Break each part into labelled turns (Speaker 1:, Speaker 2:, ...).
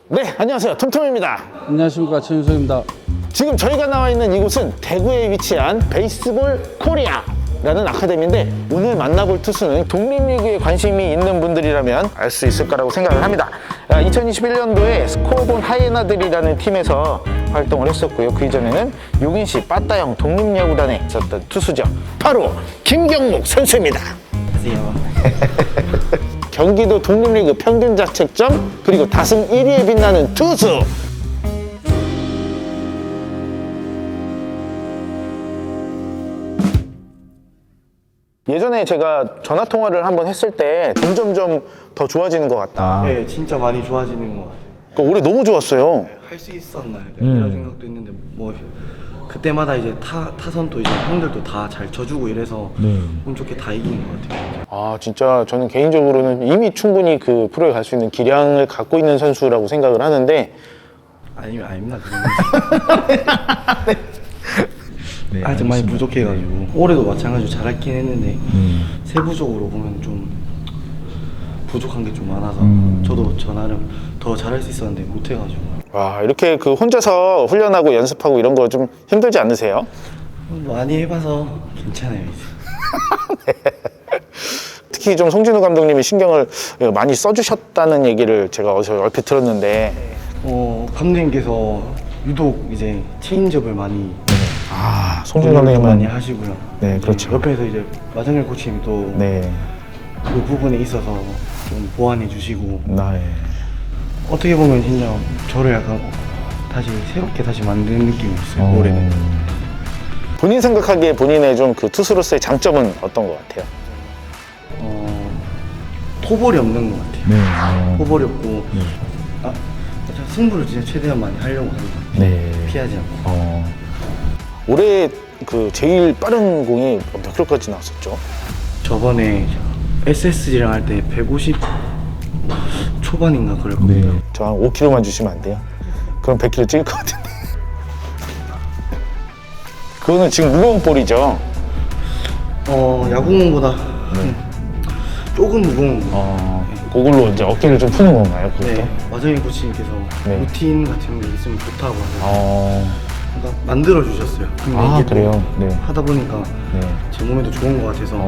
Speaker 1: 네, 안녕하세요. 톰톰입니다.
Speaker 2: 안녕하십니까, 최윤석입니다.
Speaker 1: 지금 저희가 나와 있는 이곳은 대구에 위치한 베이스볼 코리아라는 아카데미인데, 오늘 만나볼 투수는 독립리그에 관심이 있는 분들이라면 알 수 있을 거라고 생각을 합니다. 2021년도에 스코어본 하이에나들이라는 팀에서 활동을 했었고요. 그 이전에는 용인시 빠따형 독립야구단에 있었던 투수죠. 바로 김경목 선수입니다.
Speaker 3: 안녕하세요.
Speaker 1: 경기도 독립리그 평균 자책점 그리고 다승 1위에 빛나는 투수. 예전에 제가 전화 통화를 한번 했을 때 점점점 더 좋아지는 것 같다.
Speaker 3: 네, 진짜 많이 좋아지는 것 같아요.
Speaker 1: 그러니까 올해 너무 좋았어요.
Speaker 3: 할 수 있었나 이런 생각도 있는데 뭐 그때마다 이제 타선도 이제 형들도 다 잘 쳐주고 이래서 운 좋게 다 이기는 것 같아요.
Speaker 1: 아, 진짜 저는 개인적으로는 이미 충분히 그 프로에 갈 수 있는 기량을 갖고 있는 선수라고 생각을 하는데,
Speaker 3: 아닙니다. 네, 아직 많이 부족해가지고 올해도 마찬가지로 잘했긴 했는데 세부적으로 보면 좀 부족한 게 좀 많아서 저도 저 나름 더 잘할 수 있었는데 못해가지고
Speaker 1: 와, 이렇게 그 혼자서 훈련하고 연습하고 이런 거 좀 힘들지 않으세요?
Speaker 3: 많이 해봐서 괜찮아요 이제.
Speaker 1: 특히 좀 송진우 감독님이 신경을 많이 써주셨다는 얘기를 제가 어디서 얼핏 들었는데,
Speaker 3: 감독님께서 유독 이제 체인지업을 많이
Speaker 1: 송진우
Speaker 3: 많이
Speaker 1: 감독님은
Speaker 3: 하시고요.
Speaker 1: 네, 그렇죠.
Speaker 3: 옆에서 이제 마정열 코치님이 또 그
Speaker 1: 네,
Speaker 3: 부분에 있어서 좀 보완해 주시고
Speaker 1: 네.
Speaker 3: 어떻게 보면 진짜 저를 약간 다시 새롭게 다시 만든 느낌이 있어요. 올해는.
Speaker 1: 본인 생각하기에 본인의 좀 그 투수로서의 장점은 어떤 것 같아요?
Speaker 3: 토볼이 없는 것 같아요.
Speaker 1: 네.
Speaker 3: 토볼이 없고 승부를 진짜 최대한 많이 하려고 하는 것 같아요.
Speaker 1: 네.
Speaker 3: 피하지 않고.
Speaker 1: 올해 그 제일 빠른 공이 몇 킬로까지 나왔었죠?
Speaker 3: 저번에 SSG랑 할 때 150 초반인가 그럴 겁니다.
Speaker 1: 저 한 5kg만 주시면 안 돼요? 그럼 100kg 찍을 것 같은데. 그거는 지금 무거운 볼이죠?
Speaker 3: 야구공보다 조금 무거운 거.
Speaker 1: 그걸로 이제 어깨를 좀 푸는 건가요? 그것도?
Speaker 3: 네, 마정인 코치님께서
Speaker 1: 네.
Speaker 3: 루틴 같은 게 있으면 좋다고 하셔서 그러니까 만들어 주셨어요. 근데
Speaker 1: 아,
Speaker 3: 이게 또
Speaker 1: 그래요? 네.
Speaker 3: 하다 보니까
Speaker 1: 네.
Speaker 3: 제 몸에도 좋은 것 같아서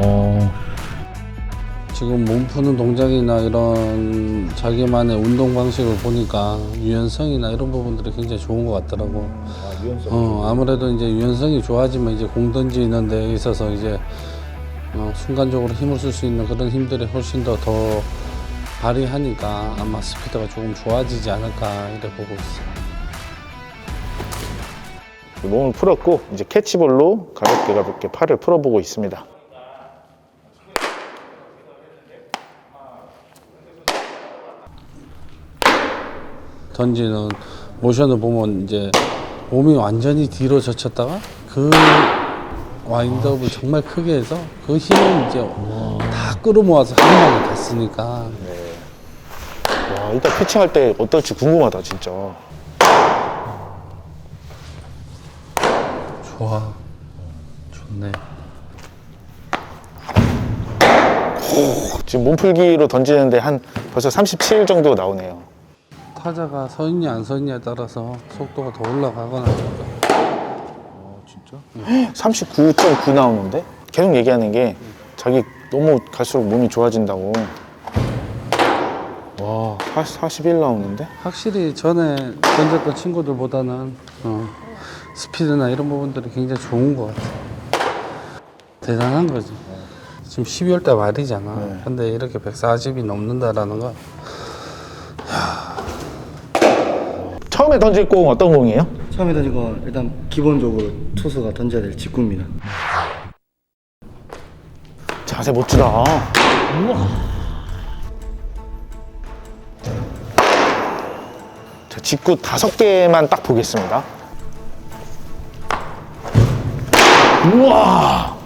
Speaker 2: 지금 몸 푸는 동작이나 이런 자기만의 운동 방식을 보니까 유연성이나 이런 부분들이 굉장히 좋은 것 같더라고. 아무래도 이제 유연성이 좋아지면 이제 공 던지는 데 있어서 이제 순간적으로 힘을 쓸 수 있는 그런 힘들이 훨씬 더 발휘하니까 아마 스피드가 조금 좋아지지 않을까 이렇게 보고 있어요.
Speaker 1: 몸을 풀었고 이제 캐치볼로 가볍게 팔을 풀어보고 있습니다.
Speaker 2: 던지는 모션을 보면 이제 몸이 완전히 뒤로 젖혔다가 그 와인드업을 정말 크게 해서 그 힘을 이제 다 끌어모아서 한 방에 갔으니까.
Speaker 1: 와, 이따 피칭할 때 어떨지 궁금하다, 진짜.
Speaker 2: 좋아. 좋네.
Speaker 1: 지금 몸풀기로 던지는데 한 벌써 37 정도 나오네요.
Speaker 2: 타자가 서 있냐 안 서 있냐에 따라서 속도가 더 올라가거나.
Speaker 1: 진짜? 39.9 나오는데? 계속 얘기하는 게 자기 너무 갈수록 몸이 좋아진다고. 와, 41 나오는데?
Speaker 2: 확실히 전에 던졌던 친구들보다는 스피드나 이런 부분들이 굉장히 좋은 것 같아. 대단한 거지. 지금 12월 달 말이잖아. 근데 이렇게 140이 넘는다라는 건
Speaker 1: 처음에 던질 공 어떤 공이에요?
Speaker 3: 처음에 던진 거 일단 기본적으로 투수가 던져야 될 직구입니다.
Speaker 1: 자세 멋지다. 자, 직구 5개만 딱 보겠습니다. 우와!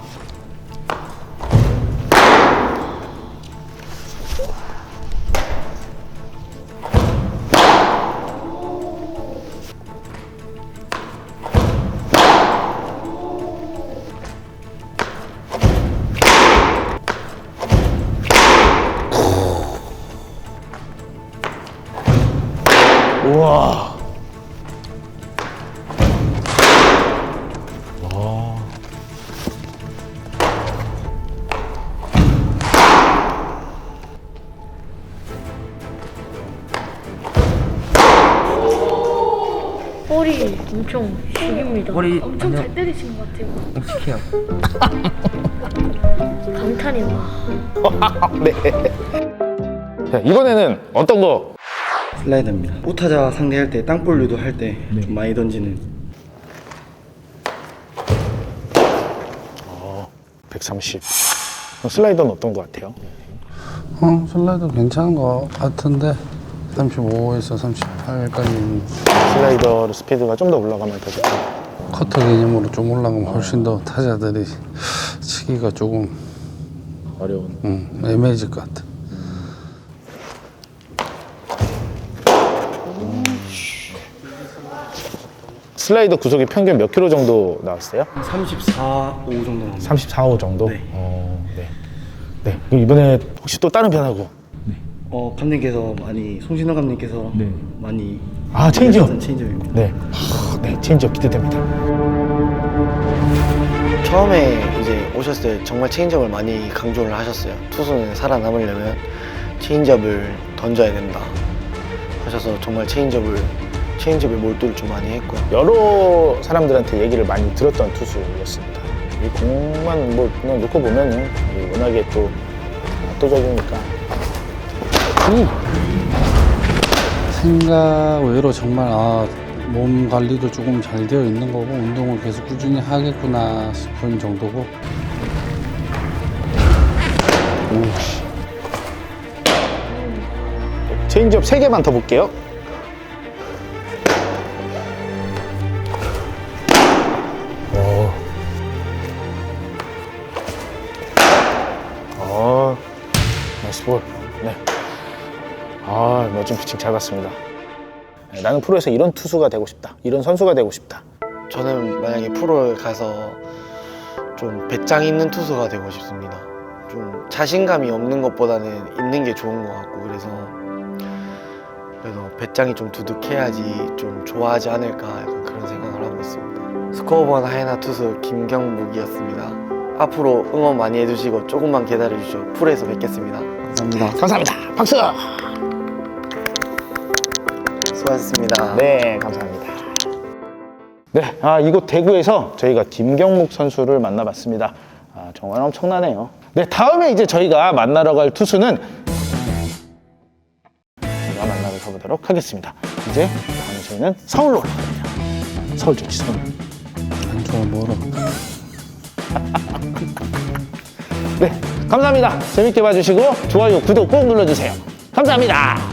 Speaker 1: 우와.
Speaker 4: 볼이 엄청 죽입니다.
Speaker 5: 볼이
Speaker 4: 엄청 잘 때리시는 것 같아요.
Speaker 5: 묵직해요.
Speaker 4: 감탄이 와.
Speaker 1: 네. 자, 이번에는 어떤 거?
Speaker 3: 슬라이더입니다. 우타자 상대할 때 땅볼 유도할 때 좀 많이 던지는
Speaker 1: 130. 슬라이더는 어떤 거 같아요?
Speaker 2: 슬라이더 괜찮은 것 같은데 35에서 38까지
Speaker 1: 슬라이더 스피드가 좀 더 올라가면 더 좋고.
Speaker 2: 커터 개념으로 좀 올라가면 훨씬 더 타자들이 치기가 조금
Speaker 1: 어려운.
Speaker 2: 애매해질 것 같아.
Speaker 1: 슬라이더 구속이 평균 몇 킬로 정도 나왔어요?
Speaker 3: 34, 5 정도 나옵니다.
Speaker 1: 34호 정도?
Speaker 3: 네.
Speaker 1: 네. 네. 그럼 이번에 혹시 또 다른 변화고?
Speaker 3: 감독님께서 많이 송신호 감독님께서 많이
Speaker 1: 아, 체인지업.
Speaker 3: 체인지업입니다.
Speaker 1: 네. 네, 체인지업 기대됩니다.
Speaker 3: 처음에 이제 오셨을 때 정말 체인지업을 많이 강조를 하셨어요. 투수는 살아남으려면 체인지업을 던져야 된다 하셔서 정말 체인지업에 몰두를 좀 많이 했고요.
Speaker 1: 여러 사람들한테 얘기를 많이 들었던 투수였습니다. 이 공만 뭐 그냥 놓고 보면은 워낙에 또 압도적이니까.
Speaker 2: 생각 외로 정말 몸 관리도 조금 잘 되어 있는 거고 운동을 계속 꾸준히 하겠구나 싶은 정도고.
Speaker 1: 체인지업 3개만 더 볼게요. 나이스 볼. 네. 멋진 피칭 잘 봤습니다. 네, 나는 프로에서 이런 투수가 되고 싶다. 이런 선수가 되고 싶다.
Speaker 3: 저는 만약에 프로에 가서 좀 배짱 있는 투수가 되고 싶습니다. 좀 자신감이 없는 것보다는 있는 게 좋은 것 같고 그래서 배짱이 좀 두둑해야지 좀 좋아하지 않을까 약간 그런 생각을 하고 있습니다. 스코어번 하이나 투수 김경묵이었습니다. 앞으로 응원 많이 해주시고 조금만 기다려주시죠. 프로에서 뵙겠습니다. 감사합니다.
Speaker 1: 감사합니다. 박수!
Speaker 3: 수고하셨습니다.
Speaker 1: 네, 감사합니다. 네, 이곳 대구에서 저희가 김경묵 선수를 만나봤습니다. 정말 엄청나네요. 네, 다음에 이제 저희가 만나러 갈 투수는 제가 만나러 가보도록 하겠습니다. 이제 다음에 저희는 서울로 올라갑니다. 서울 좋지, 서울.
Speaker 2: 안 좋아 멀어.
Speaker 1: 네, 감사합니다. 재밌게 봐주시고 좋아요, 구독 꼭 눌러주세요. 감사합니다.